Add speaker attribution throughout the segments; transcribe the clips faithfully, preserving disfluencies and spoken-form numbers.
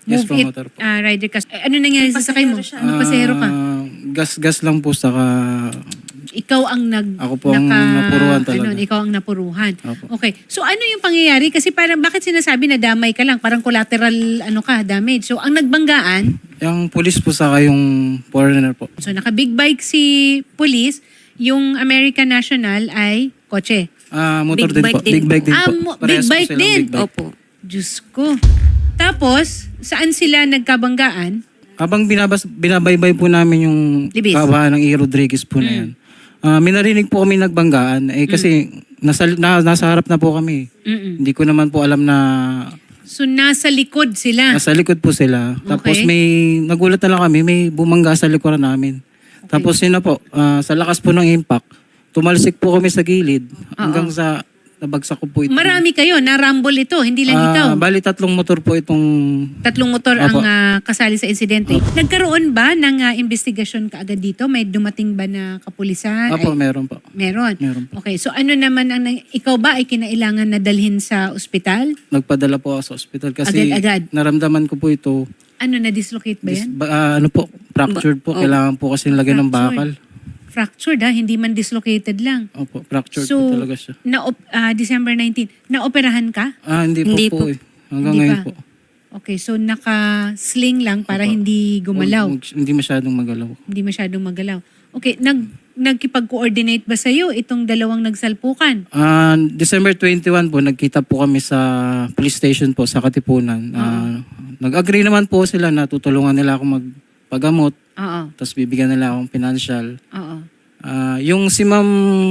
Speaker 1: Yes
Speaker 2: Move
Speaker 1: po,
Speaker 2: It
Speaker 1: motor po.
Speaker 2: ah, rider ka. Eh, ano nangyari sa sakay mo?
Speaker 3: Pasahero siya.
Speaker 2: Ano pasahero ka?
Speaker 1: Ah, gas-gas lang po, saka
Speaker 2: Ikaw ang nag
Speaker 1: Ako po ang napuruhan talaga.
Speaker 2: Ano, ikaw ang napuruhan.
Speaker 1: Opo.
Speaker 2: Okay. So ano yung pangyayari? Kasi parang bakit sinasabi na damay ka lang? Parang collateral ano ka, damage. So ang nagbanggaan,
Speaker 1: yung police po saka yung foreigner po.
Speaker 2: so naka big bike si police, yung American National ay kotse.
Speaker 1: Ah, motor
Speaker 3: Big
Speaker 1: din
Speaker 3: bike
Speaker 1: po.
Speaker 3: din
Speaker 1: Big bike din
Speaker 2: Ah,
Speaker 1: po.
Speaker 2: mo-
Speaker 1: Parehas
Speaker 2: big
Speaker 1: po
Speaker 2: bike
Speaker 1: silang
Speaker 2: din.
Speaker 1: big bike.
Speaker 3: Opo.
Speaker 2: Diyos ko. Tapos, saan sila nagkabanggaan?
Speaker 1: Habang binabas, binabaybay po namin yung
Speaker 2: Libis.
Speaker 1: kabahan ng E. Rodriguez po na yan. Ah, may narinig po kami nagbanggaan. Eh kasi nasa, na, nasa harap na po kami.
Speaker 2: Mm-mm.
Speaker 1: Hindi ko naman po alam na
Speaker 2: So nasa likod sila.
Speaker 1: nasa likod po sila. Tapos
Speaker 2: Okay.
Speaker 1: may nagulat na lang kami, may bumangga sa likuran namin. Tapos yun na po, ah, sa lakas po ng impact, tumalsik po kami sa gilid hanggang sa nabagsak ko po ito.
Speaker 2: Marami kayo, na-rumble ito, hindi lang ikaw.
Speaker 1: Ah, bali tatlong motor po itong
Speaker 2: Tatlong motor ang
Speaker 1: Opo.
Speaker 2: ah, kasali sa insidente. Nagkaroon ba ng ah, investigasyon kaagad dito? May dumating ba na kapulisan?
Speaker 1: Apo,
Speaker 2: Ay,
Speaker 1: meron po.
Speaker 2: meron.
Speaker 1: Meron po.
Speaker 2: Okay, so ano naman ang nang- ikaw ba ay kinailangan na dalhin sa ospital?
Speaker 1: Nagpadala po ako sa ospital kasi
Speaker 2: Agad-agad?
Speaker 1: naramdaman ko po ito.
Speaker 2: Ano, na-dislocate ba
Speaker 1: Dis,
Speaker 2: yan?
Speaker 1: ba, ah, ano po, fractured po.
Speaker 3: Ba- oh.
Speaker 1: Kailangan po kasi lagyan ng bakal.
Speaker 2: Fractured ha, hindi man dislocated lang.
Speaker 1: Opo, fractured
Speaker 2: So,
Speaker 1: po talaga siya.
Speaker 2: na ah, December nineteenth, na-operahan ka?
Speaker 1: Ah, hindi po
Speaker 3: Hindi
Speaker 1: po,
Speaker 3: po.
Speaker 1: eh. Hanggang
Speaker 2: Hindi
Speaker 1: ngayon
Speaker 2: pa.
Speaker 1: po.
Speaker 2: Okay, so naka-sling lang para
Speaker 1: Opo.
Speaker 2: hindi gumalaw.
Speaker 1: Mag- hindi masyadong magalaw.
Speaker 2: Hindi masyadong magalaw. Okay, nag nagkipag-coordinate ba sa'yo itong dalawang nagsalpukan?
Speaker 1: Ah, December twenty-one po, nagkita po kami sa police station po sa Katipunan. Ah, nag-agree naman po sila na tutulungan nila ako magpagamot,
Speaker 2: Oo.
Speaker 1: tapos bibigyan nila akong financial.
Speaker 2: Oo.
Speaker 1: Ah, yung si ma'am,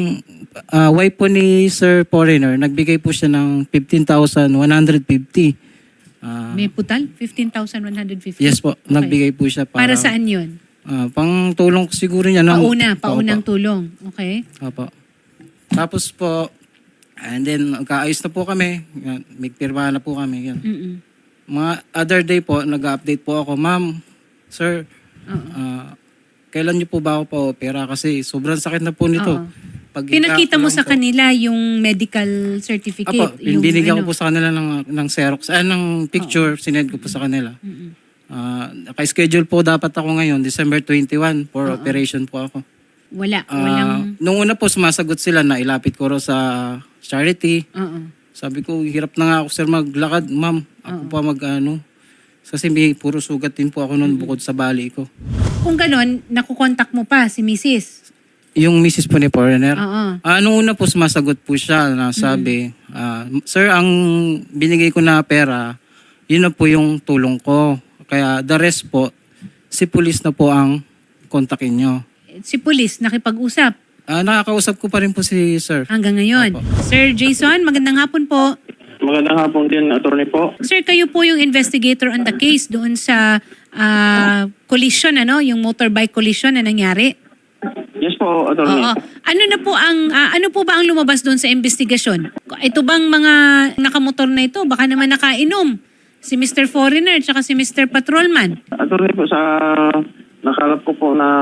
Speaker 1: ah, wife po ni Sir Foreigner, nagbigay po siya ng fifteen thousand one hundred fifty. Ah,
Speaker 2: May putal? fifteen thousand one hundred fifty?
Speaker 1: yes po, nagbigay po siya para,
Speaker 2: Para saan yun?
Speaker 1: ah, pang tulong siguro niya. ng-
Speaker 2: Pauna,
Speaker 1: Opo.
Speaker 2: paunang tulong. Okay?
Speaker 1: Opo. Tapos po, and then kaayos na po kami. Yan, may pirmahan na po kami. Yan.
Speaker 2: Mm-mm.
Speaker 1: Mga other day po, nag-update po ako, ma'am, sir,
Speaker 2: Oo.
Speaker 1: ah, kailan niyo po ba ako pa-opera? Kasi sobrang sakit na po nito.
Speaker 2: Oo.
Speaker 1: Pag
Speaker 2: Pinakita mo
Speaker 1: lang
Speaker 2: sa
Speaker 1: po.
Speaker 2: kanila yung medical certificate.
Speaker 1: Apo,
Speaker 2: yung
Speaker 1: binigyan
Speaker 2: ano.
Speaker 1: ko po sa kanila ng, ng Xerox, ah, ng picture, sinend ko po sa kanila.
Speaker 2: Mm-mm.
Speaker 1: Ah, naka-schedule po dapat ako ngayon, December twenty-one, for operation po ako.
Speaker 2: Wala.
Speaker 1: Ah,
Speaker 2: Walang...
Speaker 1: nung una po, sumasagot sila na ilapit ko raw sa charity.
Speaker 2: Oo.
Speaker 1: Sabi ko, hirap na nga ako sir maglakad, ma'am. Ako pa mag ano. Kasi may puro sugat din po ako noon bukod sa bali ko.
Speaker 2: Kung ganon, nakukontak mo pa si missus.
Speaker 1: Yung missus po ni Foreigner.
Speaker 2: Oo.
Speaker 1: Ah, nung una po sumasagot po siya na sabi, ah, sir, ang binigay ko na pera, yun na po yung tulong ko. Kaya the rest po, si police na po ang kontakin nyo.
Speaker 2: Si police, nakipag-usap
Speaker 1: Ah, nakakausap ko pa rin po si sir.
Speaker 2: hanggang ngayon.
Speaker 1: Opo.
Speaker 2: Sir Jason, magandang hapon po.
Speaker 4: Magandang hapon din, attorney po.
Speaker 2: Sir, kayo po yung investigator on the case doon sa ah, collision, ano? Yung motorbike collision na nangyari.
Speaker 4: Yes po, attorney.
Speaker 2: Oo. Ano na po ang ah, ano po ba ang lumabas doon sa investigasyon? Ito bang mga nakamotor na ito baka naman nakainom? Si Mister Foreigner at si Mister Patrolman.
Speaker 4: Attorney po, sa nakalap ko po na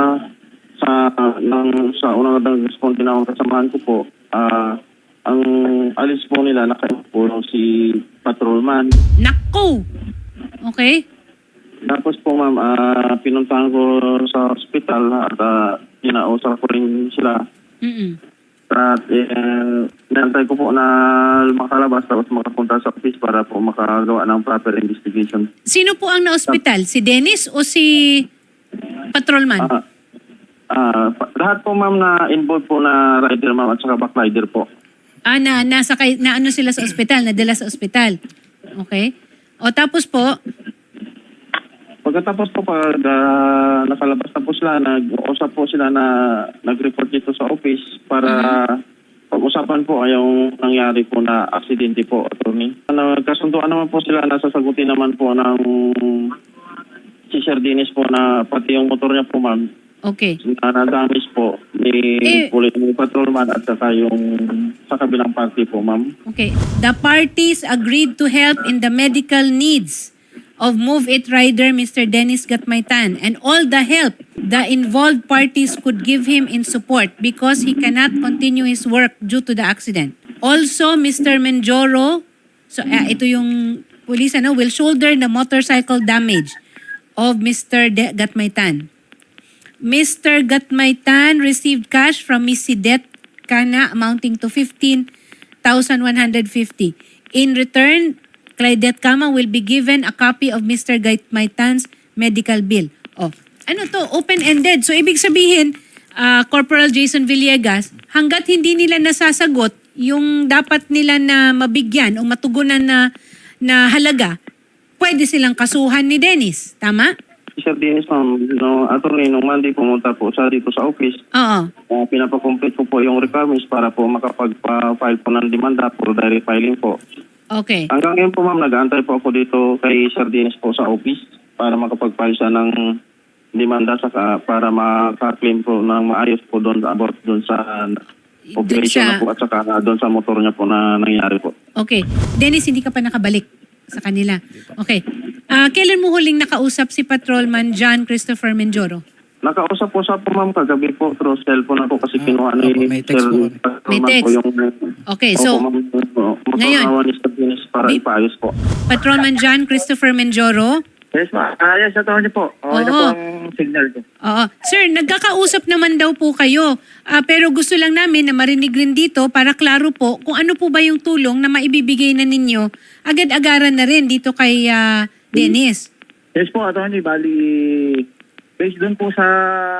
Speaker 4: sa ng sa unang nag-respond na akong kasamahan ko po, ah, ang alis po nila nakapulong si patrolman.
Speaker 2: Nako! Okay?
Speaker 4: Tapos po ma'am, ah, pinuntahan ko sa ospital at uh, inausap ko rin sila.
Speaker 2: Mm-mm.
Speaker 4: At eh, nantay ko po na makalabas tapos makapunta sa office para po makagawa ng proper investigation.
Speaker 2: Sino po ang na-hospital? Si Dennis o si Patrolman?
Speaker 4: Ah, ah, pa- lahat po ma'am na involved po na rider ma'am at saka backrider po.
Speaker 2: Ah, na, nasa kay, na ano sila sa ospital, nadala sa ospital. Okay? O tapos po,
Speaker 4: Pagkatapos po pag ah, nakalabas na po sila, nag-usap po sila na nag-report dito sa office para pag-usapan po ay yung nangyari po na aksidente po, attorney. Nagkasunduan naman po sila na sasagutin naman po ng si Sir Dennis po na pati yung motor niya po ma'am
Speaker 2: okay.
Speaker 4: na na-damage po ni
Speaker 2: Eh.
Speaker 4: Pulit ni Patrolman at saka yung sa kabilang party po ma'am.
Speaker 2: Okay. The parties agreed to help in the medical needs of Move It rider Mister Dennis Gatmaitan and all the help the involved parties could give him in support because he cannot continue his work due to the accident. Also, Mister Menjoro, so uh, ito yung police ano, will shoulder the motorcycle damage of Mister De- Gatmaitan. Mister Gatmaitan received cash from Miss Sidet Cana amounting to fifteen thousand one hundred fifty. In return, Claudette Cama will be given a copy of Mister Gatmaitan's medical bill. Oh, ano to? Open-ended. So, ibig sabihin, ah, Corporal Jason Villegas, hanggat hindi nila nasasagot yung dapat nila na mabigyan o matugunan na, na halaga, pwede silang kasuhan ni Dennis. Tama?
Speaker 4: Sir Dennis, ma'am, no, attorney, nung Monday pumunta po siya dito sa office.
Speaker 2: Oo.
Speaker 4: Uh, pinapacomplete ko po yung requirements para po makapag-file po ng demanda for direct filing po.
Speaker 2: Okay.
Speaker 4: Hanggang ngayon po, ma'am, nag-aantay po ako dito kay Sir Dennis po sa office para makapag-file siya ng demanda saka para maka-claim po ng maayos po doon about doon sa operation
Speaker 2: sa-
Speaker 4: na po at saka doon sa motor niya po na nangyari po.
Speaker 2: Okay. Dennis, hindi ka pa nakabalik sa kanila. Okay. Ah, kailan mo huling nakausap si Patrolman John Christopher Menjoro?
Speaker 4: Nakausap po siya po, ma'am, kagabi po through cellphone na po kasi
Speaker 1: Ah,
Speaker 4: kinuha ni
Speaker 1: opo, may text
Speaker 4: Sir
Speaker 1: po.
Speaker 4: Patrolman
Speaker 2: May text.
Speaker 4: po yung
Speaker 2: Okay, so,
Speaker 4: Opo, ma'am, po.
Speaker 2: ngayon,
Speaker 4: Motor ni Sir Dennis para
Speaker 2: Bi-
Speaker 4: ipaayos po.
Speaker 2: Patrolman John Christopher Menjoro?
Speaker 3: Yes, ma. Ah, yes, attorney po. Okay na
Speaker 2: Oo.
Speaker 3: po ang signal ko.
Speaker 2: Oo. Sir, nagkakausap naman daw po kayo. Ah, pero gusto lang namin na marinig rin dito para klaro po kung ano po ba yung tulong na maibibigay na ninyo agad-agaran na rin dito kay ah, Dennis.
Speaker 3: Yes po, attorney. Bali, based doon po sa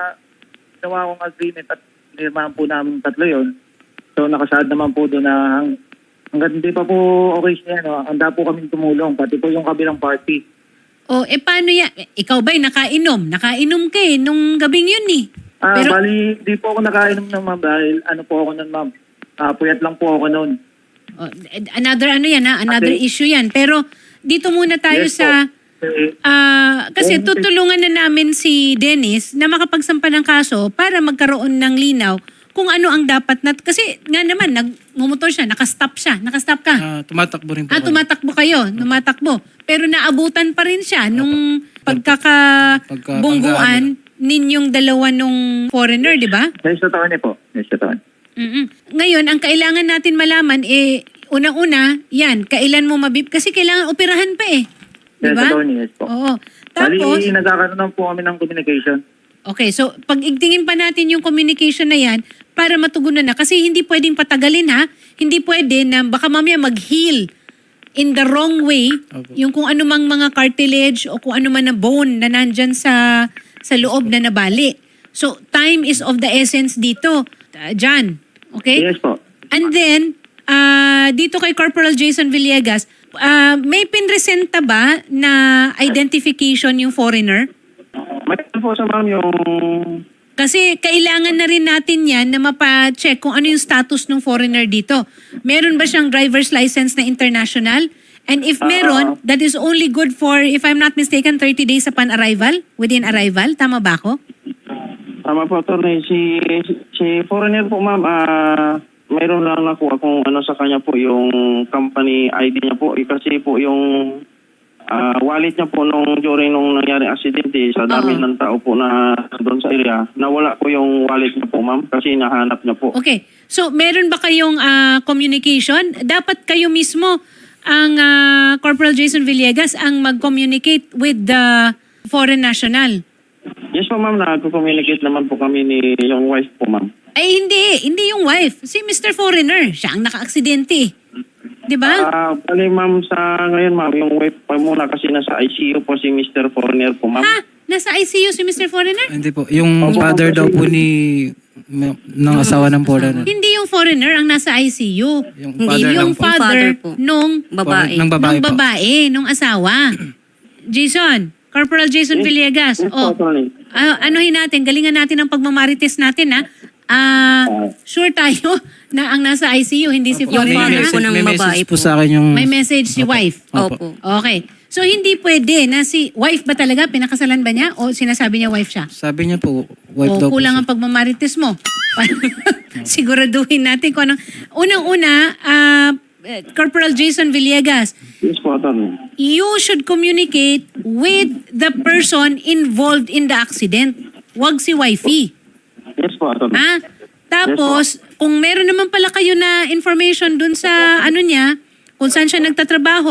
Speaker 3: ginawa kong agreement at nirmahan po namin tatlo yon. So, nakasaad naman po doon na hang, hanggang hindi pa po okay siya, no, handa po kami tumulong, pati po yung kabilang party.
Speaker 2: O, eh paano yan? Eh, Ikaw ba'y nakainom? Nakainom ka eh nung gabing yun eh.
Speaker 3: Ah,
Speaker 2: Pero,
Speaker 3: bali, di po ako nakainom ng ma'am dahil ano po ako nun, ma'am. Ah, puyat lang po ako nun.
Speaker 2: oh, another ano yan ha? Another
Speaker 3: Okay.
Speaker 2: issue yan. Pero, dito muna tayo
Speaker 3: Yes
Speaker 2: sa...
Speaker 3: po. Eh,
Speaker 2: Ah, kasi
Speaker 3: Yes,
Speaker 2: tutulungan na namin si Dennis na makapagsampa ng kaso para magkaroon ng linaw kung ano ang dapat na... Kasi nga naman, nagmumotor siya, nakastop siya. Nakastop ka.
Speaker 1: Ah, tumatakbo rin po.
Speaker 2: Ah,
Speaker 1: kami.
Speaker 2: tumatakbo kayo, tumatakbo. Pero naabutan pa rin siya nung pagkakabungguan ninyong dalawa nung foreigner, di ba?
Speaker 3: yes, attorney po. Yes, attorney.
Speaker 2: Mm-mm. Ngayon, ang kailangan natin malaman, eh, unang-una, yan, kailan mo mabib... Kasi kailangan operahan pa eh. Di
Speaker 3: Yes,
Speaker 2: ba?
Speaker 3: attorney, yes po.
Speaker 2: Oo. Tapos,
Speaker 3: Bali, nagkakaroon lang po kami ng communication.
Speaker 2: okay, so pag-igtingin pa natin yung communication na yan para matugunan na. Kasi hindi pwedeng patagalin ha. Hindi pwede na baka mamaya mag-heal in the wrong way
Speaker 1: Opo.
Speaker 2: yung kung ano mang mga cartilage o kung ano man na bone na nandyan sa, sa loob na nabali. So, time is of the essence dito. Uh, John, okay?
Speaker 3: Yes po.
Speaker 2: And then, ah, dito kay Corporal Jason Villegas, ah, may pinresenta ba na identification yung foreigner?
Speaker 4: May po sa ma'am yung
Speaker 2: Kasi kailangan na rin natin yan na mapa-check kung ano yung status ng foreigner dito. Meron ba siyang driver's license na international? And if meron, that is only good for, if I'm not mistaken, thirty days upon arrival, within arrival. Tama ba ako?
Speaker 4: tama po, attorney. Si, si foreigner po, ma'am, ah, mayroon lang nakuha kung ano sa kanya po yung company I D niya po. Eh, kasi po yung ah, wallet niya po nung during nung nangyari aksidente sa dami
Speaker 2: Oo.
Speaker 4: ng tao po na doon sa area, nawala po yung wallet niya po, ma'am, kasi nahanap niya po.
Speaker 2: Okay. So, meron ba kayong ah, communication? Dapat kayo mismo, ang ah, Corporal Jason Villegas, ang mag-communicate with the foreign national.
Speaker 4: Yes po, ma'am, nagko-communicate naman po kami ni yung wife po, ma'am.
Speaker 2: Ay, hindi. Hindi yung wife. Si Mister Foreigner. Siya ang naka-aksidente. Di ba?
Speaker 4: Ah, bali, ma'am, sa ngayon, ma'am, yung wife pa muna kasi nasa I C U po si Mister Foreigner po, ma'am.
Speaker 2: Ha? Nasa I C U si Mister Foreigner?
Speaker 1: Hindi po. Yung
Speaker 4: Opo,
Speaker 1: father
Speaker 4: kasi-
Speaker 1: daw po ni ng asawa ng foreigner.
Speaker 2: Hindi yung foreigner ang nasa I C U.
Speaker 1: Yung
Speaker 2: Hindi
Speaker 1: father
Speaker 2: yung
Speaker 1: lang po.
Speaker 2: father,
Speaker 5: Father po.
Speaker 2: nung
Speaker 5: Babae.
Speaker 1: Ng babae
Speaker 2: nung
Speaker 1: po.
Speaker 2: babae, nung asawa. Jason, Corporal Jason Villegas.
Speaker 4: Yes po,
Speaker 2: Oh,
Speaker 4: attorney.
Speaker 2: ah, anuhin natin, galingan natin ang pagmamarites natin ha. Ah, sure tayo na ang nasa I C U, hindi si
Speaker 5: Yung
Speaker 1: May
Speaker 2: foreigner.
Speaker 5: father
Speaker 1: message,
Speaker 5: po ng
Speaker 1: may
Speaker 5: babae
Speaker 1: message po
Speaker 5: po.
Speaker 1: sa akin yung...
Speaker 2: May message si wife.
Speaker 1: Opo.
Speaker 5: Opo.
Speaker 2: Okay. So, hindi pwede na si... Wife ba talaga? Pinakasalan ba niya? O sinasabi niya wife siya?
Speaker 1: Sabi niya po, wife
Speaker 2: O
Speaker 1: daw po
Speaker 2: kulang
Speaker 1: siya.
Speaker 2: ang pagmamarites mo. Siguraduhin natin kung anong... Unang-una, ah, eh, Corporal Jason Villegas,
Speaker 4: Yes po, attorney.
Speaker 2: you should communicate with the person involved in the accident. Huwag si wifey.
Speaker 4: Yes po, attorney.
Speaker 2: Ha? Tapos, kung meron naman pala kayo na information dun sa ano niya, kung saan siya nagtatrabaho,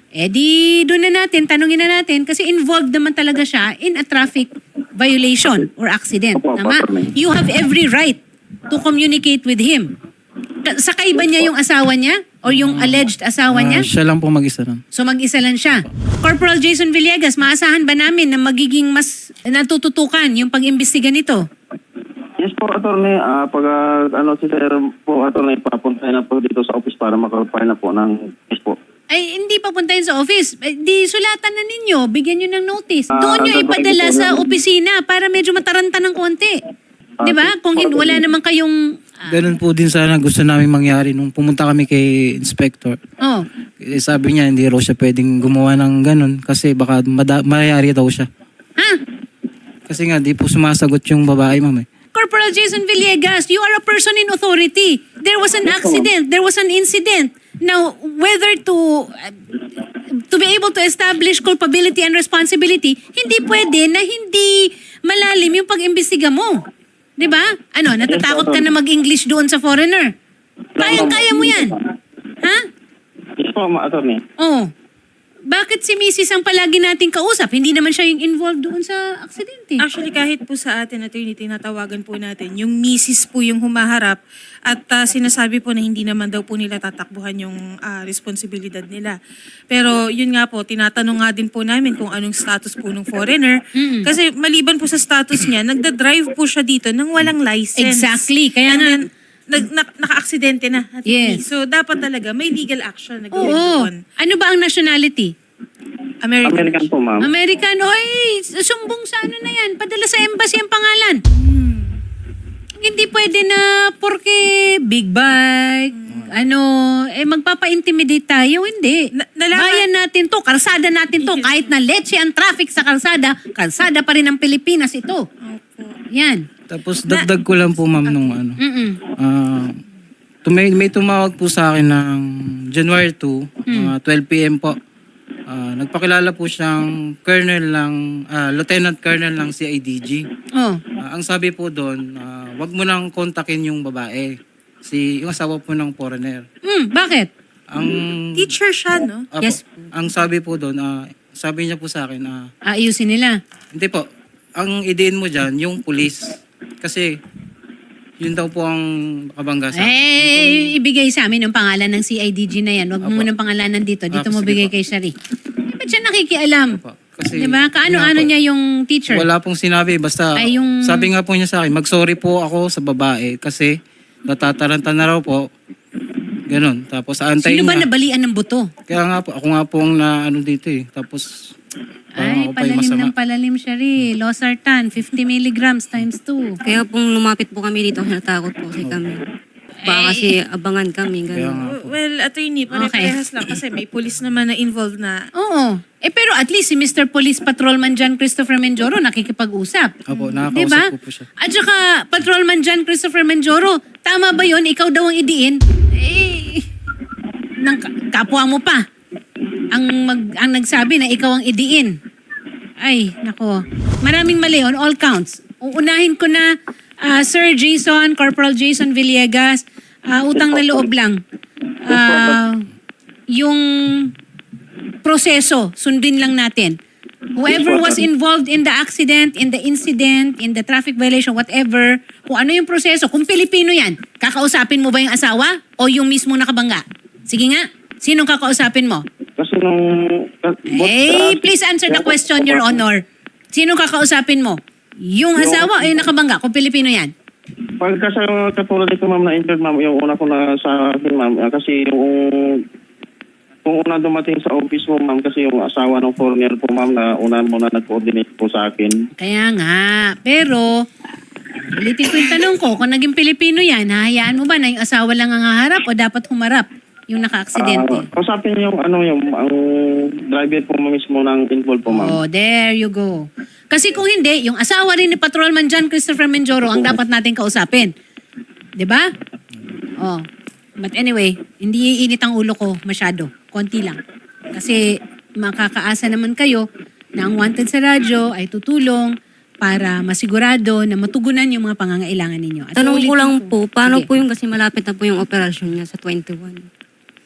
Speaker 2: Eh di doon na natin, tanungin na natin kasi involved naman talaga siya in a traffic violation or accident.
Speaker 4: Opo, opo,
Speaker 2: Tama?
Speaker 4: attorney.
Speaker 2: You have every right to communicate with him. Ka- Sakay ba niya yung asawa niya or yung alleged asawa
Speaker 1: Ah,
Speaker 2: niya?
Speaker 1: siya lang po mag-isa lang.
Speaker 2: So mag-isa lang siya. Corporal Jason Villegas, maasahan ba namin na magiging mas natututukan yung pag-imbestiga nito?
Speaker 4: Yes po, attorney. Ah, pag ah, ano si sir po, attorney, papunta na po dito sa office para makapile na po ng case po.
Speaker 2: Ay, hindi papuntahin sa office. Eh, di sulatan na ninyo. Bigyan nyo ng notice.
Speaker 4: Ah,
Speaker 2: Doon nyo
Speaker 4: gagawin
Speaker 2: ipadala
Speaker 4: ko po
Speaker 2: sa
Speaker 4: yan.
Speaker 2: opisina para medyo mataranta ng konti.
Speaker 4: Ah,
Speaker 2: Di ba?
Speaker 4: sige
Speaker 2: Kung
Speaker 4: po,
Speaker 2: hin- wala
Speaker 4: attorney.
Speaker 2: naman kayong... ah,
Speaker 1: Ganun po din sana gusto namin mangyari nung pumunta kami kay Inspector.
Speaker 2: oh,
Speaker 1: Eh, sabi niya hindi raw siya pwedeng gumawa ng ganun kasi baka mada- mayayari daw siya.
Speaker 2: ha?
Speaker 1: Kasi nga di po sumasagot yung babae, ma'am. Eh.
Speaker 2: Corporal Jason Villegas, you are a person in authority. There was an accident. There was an incident. Now, whether to uh, to be able to establish culpability and responsibility, hindi pwede na hindi malalim yung pag-imbestiga mo. 'Di ba? Ano, natatakot ka na mag-English doon sa foreigner? Kayang-kaya mo yan. Ha?
Speaker 4: Yes po, ma- attorney.
Speaker 2: Oh. Bakit si Missus ang palagi nating kausap? Hindi naman siya yung involved doon sa aksidente.
Speaker 5: Actually, kahit po sa atin, attorney, tinatawagan po natin, yung misis po yung humaharap at ah, sinasabi po na hindi naman daw po nila tatakbuhan yung ah, responsibilidad nila. Pero yun nga po, tinatanong nga din po namin kung anong status po ng foreigner.
Speaker 2: Mm-mm.
Speaker 5: Kasi maliban po sa status niya, nagda-drive po siya dito nang walang license.
Speaker 2: Exactly. Kaya
Speaker 5: And
Speaker 2: nga-
Speaker 5: then, nag, na- naka-aksidente na. attorney.
Speaker 2: Yes.
Speaker 5: So, dapat talaga may legal action na gawin
Speaker 2: Oo.
Speaker 5: doon.
Speaker 2: Ano ba ang nationality?
Speaker 5: American.
Speaker 4: American po, ma'am.
Speaker 2: American, oy, sumbong sa ano na yan. Padala sa embassy ang pangalan. Hindi pwede na porke big bike, ano, eh magpapa-intimidate tayo. Hindi.
Speaker 5: Na- nalaman-
Speaker 2: Bayan natin to, kalsada natin to. Kahit na leche ang traffic sa kalsada, kalsada pa rin ng Pilipinas ito. Yan.
Speaker 1: Tapos dagdag ko lang po, ma'am, nung ano.
Speaker 2: Mm-mm.
Speaker 1: Ah, tumay, may tumawag po sa akin ng January second, mga twelve p.m. po. Ah, nagpakilala po siyang colonel ng, ah, lieutenant colonel ng C I D G.
Speaker 2: Oh.
Speaker 1: Ah, ang sabi po doon, ah, wag mo nang kontakin yung babae. Si, yung asawa po ng foreigner.
Speaker 2: Mm, bakit?
Speaker 1: Ang,
Speaker 5: Teacher siya, no?
Speaker 1: Apo,
Speaker 2: Yes.
Speaker 1: ang sabi po doon, ah, sabi niya po sa akin, ah,
Speaker 2: Ayusin nila.
Speaker 1: hindi po, ang idein mo dyan, yung police. Kasi, yun daw po ang kabangga sa akin.
Speaker 2: Eh, ibigay sa amin ang pangalan ng C I D G na yan. Huwag mo
Speaker 1: Apo.
Speaker 2: munang pangalanan dito. Dito
Speaker 1: Ah,
Speaker 2: mo
Speaker 1: sige
Speaker 2: bigay
Speaker 1: po.
Speaker 2: kay Shari. Eh, ba't siya nakikialam?
Speaker 1: Apo. Kasi,
Speaker 2: Diba? Kaano-ano
Speaker 1: yun nga po.
Speaker 2: niya yung teacher?
Speaker 1: Wala pong sinabi, basta
Speaker 2: Ay, yung-
Speaker 1: sabi nga po niya sa akin, mag-sorry po ako sa babae kasi natataranta na raw po. Ganon. Tapos aantayin
Speaker 2: Sino ba
Speaker 1: niya.
Speaker 2: nabalian ng buto?
Speaker 1: Kaya nga po, ako nga po ang na ano dito eh. Tapos, parang
Speaker 2: Ay,
Speaker 1: ako pa yung
Speaker 2: palalim
Speaker 1: masama.
Speaker 2: ng palalim, Shari. Losartan, fifty milligrams times two.
Speaker 6: Kaya pong lumapit po kami dito, natakot po kasi kami. Baka kasi abangan kami,
Speaker 1: Kaya
Speaker 6: gano'n.
Speaker 1: nga po.
Speaker 5: Well, attorney, pare-parehas lang kasi may police naman na involved na.
Speaker 2: Oo. Eh, pero at least si Mister Police Patrolman John Christopher Menjoro nakikipag-usap.
Speaker 1: Opo, nakakausap
Speaker 2: Diba?
Speaker 1: ko po siya.
Speaker 2: At saka, Patrolman John Christopher Menjoro, tama ba yon? Ikaw daw ang idiin? Eh, ng ka- kapwa mo pa. Ang, mag, ang nagsabi na ikaw ang idiin. Ay, nako. Maraming mali on all counts. Uunahin ko na, ah, Sir Jason, Corporal Jason Villegas, ah, utang na loob lang. Ah, yung proseso, sundin lang natin. Whoever was involved in the accident, in the incident, in the traffic violation, whatever, kung ano yung proseso, kung Pilipino yan, kakausapin mo ba yung asawa o yung mismo nakabangga? Sige nga, sinong kakausapin mo?
Speaker 4: Kasi nung...
Speaker 2: Eh, please answer the question, Your Honor. Sinong kakausapin mo? Yung asawa o yung nakabangga, kung Pilipino yan?
Speaker 4: Pagka sa katulad ito, ma'am, na injured, ma'am, yung una ko na sa akin, ma'am, ah, kasi yung... Kung una dumating sa office mo, ma'am, kasi yung asawa ng foreigner po, ma'am, na una muna nag-coordinate po sa akin.
Speaker 2: Kaya nga, pero ulitin ko yung tanong ko, kung naging Pilipino yan, hahayaan mo ba na yung asawa lang ang haharap o dapat humarap yung naka-aksidente?
Speaker 4: Ah, kausapin yung ano yung ang driver po mismo ng involved po, ma'am.
Speaker 2: Oh, there you go. Kasi kung hindi, yung asawa rin ni Patrolman John Christopher Menjoro ang dapat natin kausapin. 'Di ba? Oh. But anyway, hindi iinit ang ulo ko masyado. Konti lang. Kasi makakaasa naman kayo na ang wanted sa radyo ay tutulong para masigurado na matugunan yung mga pangangailangan ninyo. At
Speaker 6: Tanong ko
Speaker 2: ulitin
Speaker 6: lang po, paano
Speaker 2: Sige.
Speaker 6: po yung kasi malapit na po yung operasyon niya sa twenty-one?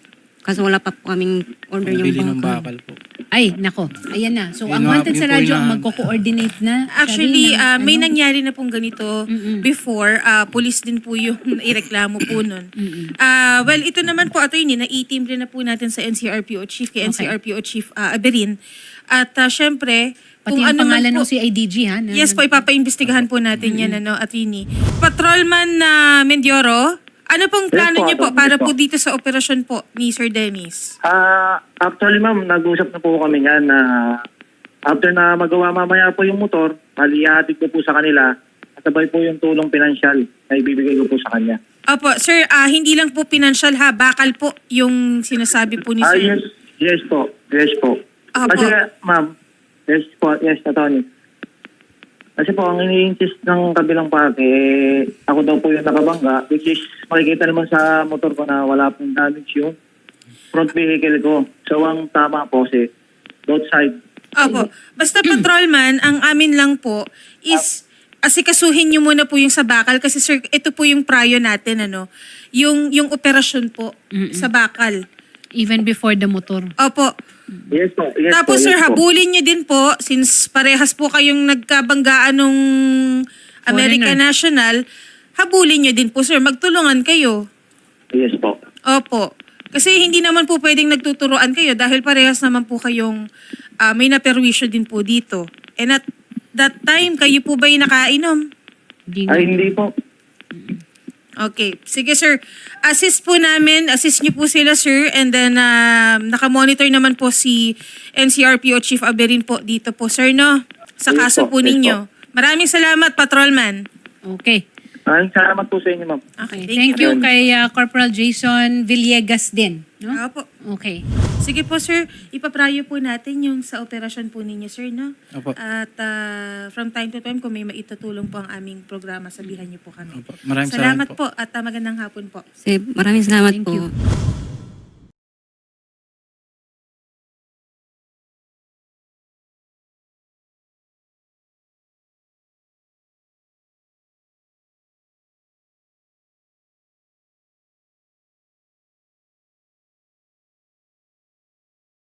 Speaker 6: Kaso wala pa po kaming order
Speaker 1: Bili ng
Speaker 6: yung bakal.
Speaker 1: bakal po.
Speaker 2: Ay, nako. Ayan na. So,
Speaker 1: Yun
Speaker 2: ang
Speaker 1: na-
Speaker 2: wanted
Speaker 1: yun
Speaker 2: sa
Speaker 1: po
Speaker 2: radyo
Speaker 1: yung
Speaker 2: ang
Speaker 1: na-
Speaker 2: magko-coordinate na.
Speaker 5: Actually,
Speaker 2: Karina,
Speaker 5: ah, may
Speaker 2: ano?
Speaker 5: nangyari na pong ganito before. Ah, police din po yung ireklamo po nun. Ah, well, ito naman po, attorney, na-i-team rin na po natin sa N C R P O Chief, kay N C R P O Chief ah, Aberin. At ah, syempre,
Speaker 2: Pati
Speaker 5: kung
Speaker 2: ang
Speaker 5: ano man
Speaker 2: pangalan
Speaker 5: po,
Speaker 2: ng C I D G, ha? na-
Speaker 5: yes po, ipapaimbestigahan po natin yan, ano, attorney. Patrolman na Mendioro, ano pong
Speaker 3: Yes
Speaker 5: plano
Speaker 3: po,
Speaker 5: niyo po
Speaker 3: Atty.
Speaker 5: para
Speaker 3: Yes
Speaker 5: po
Speaker 3: po.
Speaker 5: dito sa operasyon po ni Sir Dennis?
Speaker 3: Ah, actually ma'am, nag-usap na po kami niyan na after na magawa mamaya po yung motor, halihatid ko po sa kanila, kasabay po yung tulong pinansyal na ibibigay ko po sa kanya.
Speaker 5: Opo, sir, ah, hindi lang po financial ha, bakal po yung sinasabi po ni
Speaker 3: Ah,
Speaker 5: Sir.
Speaker 3: yes, yes po, yes po.
Speaker 5: Apo.
Speaker 3: Kasi ma'am, yes po, yes, Atty. Kasi po, ang ini-insist ng kabilang party, eh, ako daw po yung nakabangga, which is makikita naman sa motor ko na wala pong damage yung front vehicle ko. So, ang tama po si both side.
Speaker 5: Opo. Basta patrolman, ang amin lang po is asikasuhin niyo muna po yung sa bakal kasi sir, ito po yung prayo natin ano, yung yung operasyon po sa bakal.
Speaker 2: Even before the motor.
Speaker 5: Opo.
Speaker 3: Yes po, yes
Speaker 5: Tapos
Speaker 3: po,
Speaker 5: sir,
Speaker 3: yes po.
Speaker 5: habulin niyo din po since parehas po kayong nagkabanggaan nung American
Speaker 2: Foreigner.
Speaker 5: National, habulin niyo din po sir, magtulungan kayo.
Speaker 3: Yes po.
Speaker 5: Opo. Kasi hindi naman po pwedeng nagtuturoan kayo dahil parehas naman po kayong ah, may naperwisyo din po dito. And at that time, kayo po ba yung nakainom?
Speaker 2: Di
Speaker 3: Ay, hindi po.
Speaker 5: Okay. Sige sir, assist po namin, assist niyo po sila sir and then um, nakamonitor naman po si N C R P O Chief Aberin po dito po sir no? Sa
Speaker 3: Yes
Speaker 5: kaso
Speaker 3: po,
Speaker 5: po
Speaker 3: yes
Speaker 5: ninyo. Maraming salamat Patrolman.
Speaker 2: Okay.
Speaker 3: Maraming salamat po sa inyo, ma'am.
Speaker 5: Okay,
Speaker 2: Thank, you kay uh, Corporal Jason Villegas din. No?
Speaker 5: Opo.
Speaker 2: Okay.
Speaker 5: Sige po sir, ipaprayo po natin yung sa operasyon po ninyo sir no?
Speaker 1: Opo.
Speaker 5: At ah, from time to time kung may maitutulong po ang aming programa, sabihan niyo po kami.
Speaker 1: Opo. Maraming
Speaker 5: salamat
Speaker 1: salamat
Speaker 5: po at ah, magandang hapon po.
Speaker 6: Kasi maraming salamat
Speaker 2: Thank
Speaker 6: po.
Speaker 2: you.